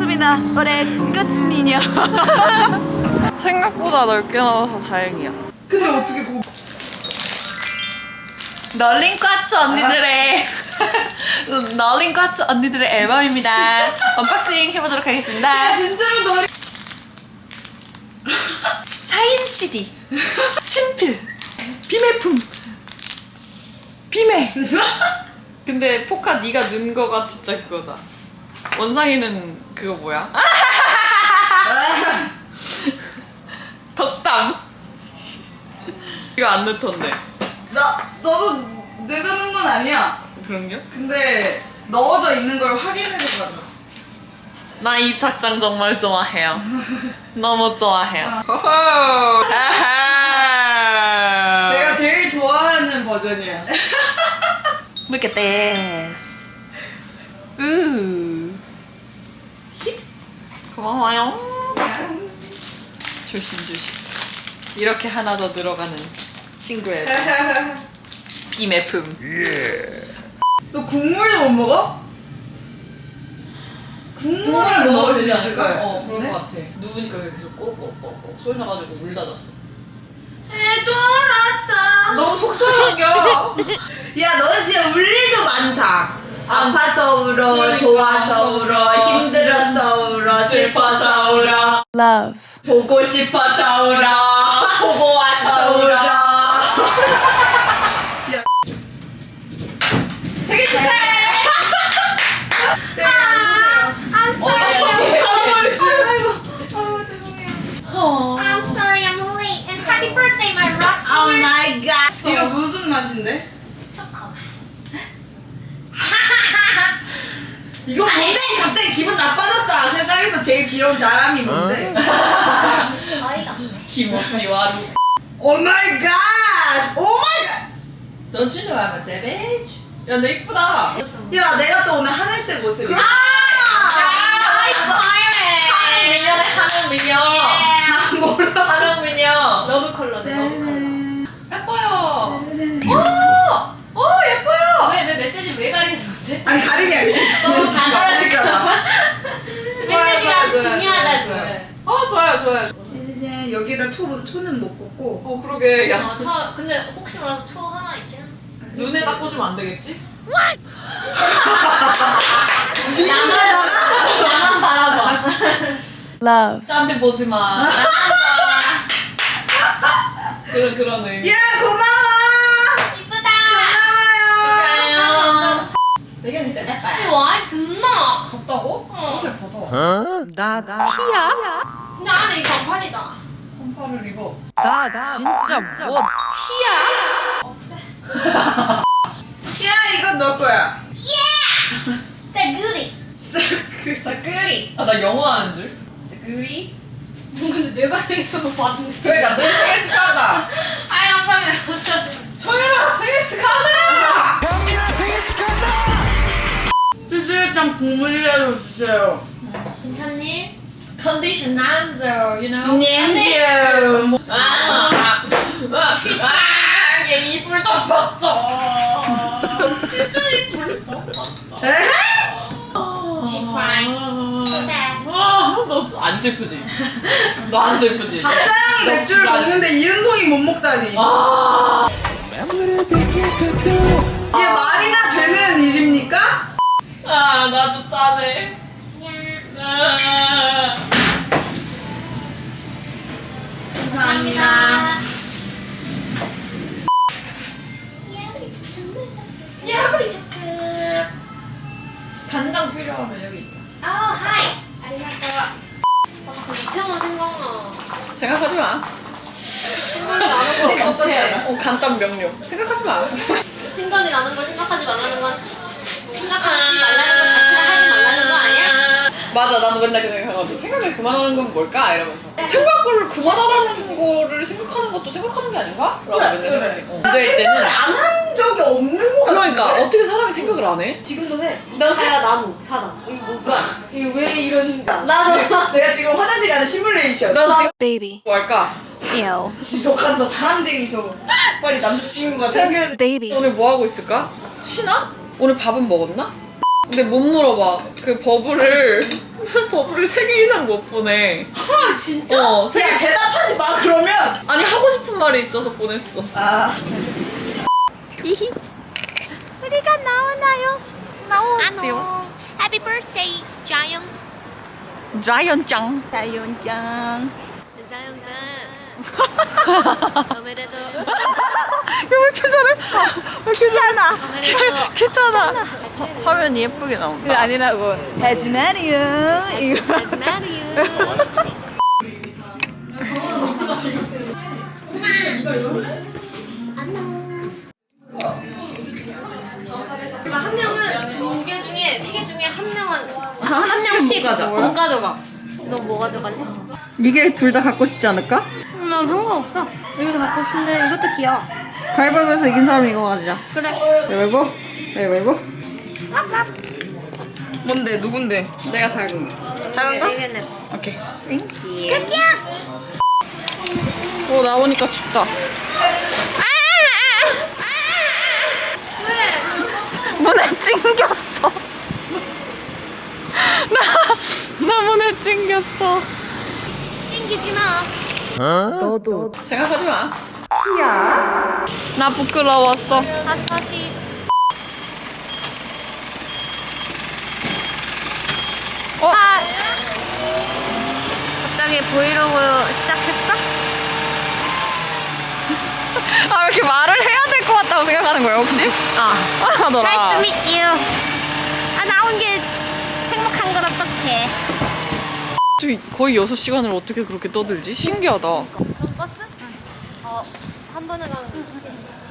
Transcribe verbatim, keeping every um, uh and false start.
반갑습니다. 올해 끝미녀. 생각보다 넓게 나와서 다행이야. 근데 어떻게 고 널링과츠 언니들의 널링과츠 언니들의 앨범입니다. 언박싱 해보도록 하겠습니다. 진짜로 너 사인 씨디, 친필, 비매품, 비매. 근데 포카 네가 넣은 거가 진짜 그거다. 원상이는 그거 뭐야? 덕담. 이거 안 넣던데. 나 너도 내가 넣은 건 아니야. 그런겨? 근데 넣어져 있는 걸 확인해서 가져왔어. 나 이 착장 정말 좋아해요. 너무 좋아해요. 내가 제일 좋아하는 버전이야. Look at this. 우. 고마워요. 조심 조심. 이렇게 하나 더 들어가는 친구의 비매품. 너 국물도 못 먹어? 국물을 먹을 수 있을까? 어, 그럴 네? 것 같아. 누우니까 계속 꼬꼬꼬꼬 소리 나가지고 물 닫았어. 해돌았어. 너무 속상하겨. 야, 너는 진짜 울 일도 많다. 아파서 울어, 그러니까. 좋아서 울어, 힘들어서 울어, 슬퍼서 울어, Love. 보고 싶어서 울어, 보고 와서 울어. 생일 축하해! 네, 앉으세요. I'm 어, sorry. 아이고, I'm sorry, I'm late. And happy birthday, my rock Oh star. my god. 이거 무슨 맛인데? 초코. 이거 뭔데? 갑자기 기분 나빠졌다. 세상에서 제일 귀여운 나람이 뭔데? 어이가 없네. 김치와루. Oh my god! Oh my god! Don't you know I'm a savage? 야, 너 이쁘다. 야, 내가 또 오늘 하늘색 옷을 입고 아, inspiring. 미녀네, 하늘 미녀. 아, 몰라. 하늘 미녀. 러브 컬러네, 러브 컬러. 예뻐요. 오! 오, 예뻐요. 왜, 왜 메시지 왜 가리는데? 아니, 가림이 아니야. 너무 가라질까봐. 메시지가 아주 좋아요, 중요하다고. 좋아요. 어, 좋아요, 좋아요. 이제 여기다 초, 초는 못 꽂고. 어, 그러게. 야, 어, 저, 근데 혹시 몰라서 초 하나 있긴 한. 눈에다 꽂으면 안 되겠지? 이거다가 나만 바라봐. Love. 딴데 보지 마. 그런, 그런 의미. 야, 고마워! 이쁘다. 고마워요. 내가 진짜 예뻐요. 이거 와인 듣나? 덥다고? 어. 옷을 벗어. 나 티야? 근데 안에 이 반팔이다. 반팔을 입어. 나 진짜 뭐 티야? 야, 이거 너 거야. 세그리. 그 사쿠리. 아, 나 영어 하는 줄. 사쿠리. 근데 내가 생일처럼 봤는데. 그러니까 너 생일 축하한다. 아이, 감사합니다. 청해라 생일 축하한다. 수수일장 국물이라도 주세요. 괜찮니? Condition answer, you know. 땡큐. 아, 아, 얘 이불 덮었어. 진짜 이불 덮었어. She's crying. So sad. 너 안 슬프지? 너 안 슬프지? 박자영이 너 맥주를 불안- 먹는데 이은송이 못 먹다니. 아. 이게 말이나 되는 일입니까? 아, 나도 짠해. 야. 아. 감사합니다. 야, 우리 착착. 야, 우리 착착. 간장 필요하면 여기 있다. 아, 하이. 아리가또. 아, 자꾸 이태원 생각나. 생각하지 마. 생각이 나는 걸 어떡해. 어, 간단 명료. 생각하지 마. 생각이 나는 걸 생각하지 말라는 건 생각하지 말라는 건 자체를 하지 말라는 거 아니야? 맞아, 나도 맨날 그 생각하거든. 생각을 그만하는 건 뭘까? 이러면서. 생각을 그만하라는 거를 생각하는 것도 생각하는 게 아닌가? 라고 맨날 생각해. 어. 나 그럴 때는. 생각을 안 한 적이 없는 거 같아. 그러니까, 어떻게 사람이 생각을 안 해? 지금도 해. 나 사야 나무, 사다. 이거 뭐야? 이거 왜 이런. 나도. 내가 지금 화장실 가는 시뮬레이션. 난 지금 Baby. 뭐 할까? Ew. 지독한 저 사랑쟁이 저. 빨리 남자친구가 생겨야 돼. Baby. 오늘 뭐 하고 있을까? 쉬나? 오늘 밥은 먹었나? 근데 못 물어봐. 그 버블을 버블을 세 개 이상 못 보내. 헐 진짜? 어, 세 개. 야 대답하지 마 그러면. 아니 하고 싶은 말이 있어서 보냈어. 아 우리가 나오나요? 나오지요. Happy birthday, 자영. 자이언짱. 자연짱. 자영장. 오메데토. 왜 이렇게 잘해? 왜 이렇게 괜찮아. 오메데토. 괜찮아. 화면이 예쁘게 나온다. 그게 아니라고. 해지마리요. 이거. 마리유. 그러니까 한 명은 두 개 중에 세 개 중에 한 명은 한 하나씩은 명씩 못 가져. 못 가져가. 너 뭐 가져갈래? 이게 둘 다 갖고 싶지 않을까? 난 상관없어. 이것도 갖고 싶은데 이것도 귀여워. 가위바위보에서 이긴 사람이 이거 가지자. 그래. 가위바위보? 가위바위보? 뭔데 누군데? 내가 작은 거. 작은 거? 이겠네. 오케이. 오 나오니까 춥다. 왜? 문에 찡겼어. 나, 나 문에 찡겼어. 찡기지 마. 너도. 생각하지 마. 티야. 나 부끄러웠어. 다시 다시. 어? 아, 갑자기 브이로그 시작했어? 아, 이렇게 말을 해야 될 것 같다고 생각하는 거야, 혹시? 아. 하더라. Nice to meet you. 아 나온 게 행복한 걸 어떡해. 거의 여섯 시간을 어떻게 그렇게 떠들지? 신기하다. 넌 버스? 어, 한 번에 가는 거.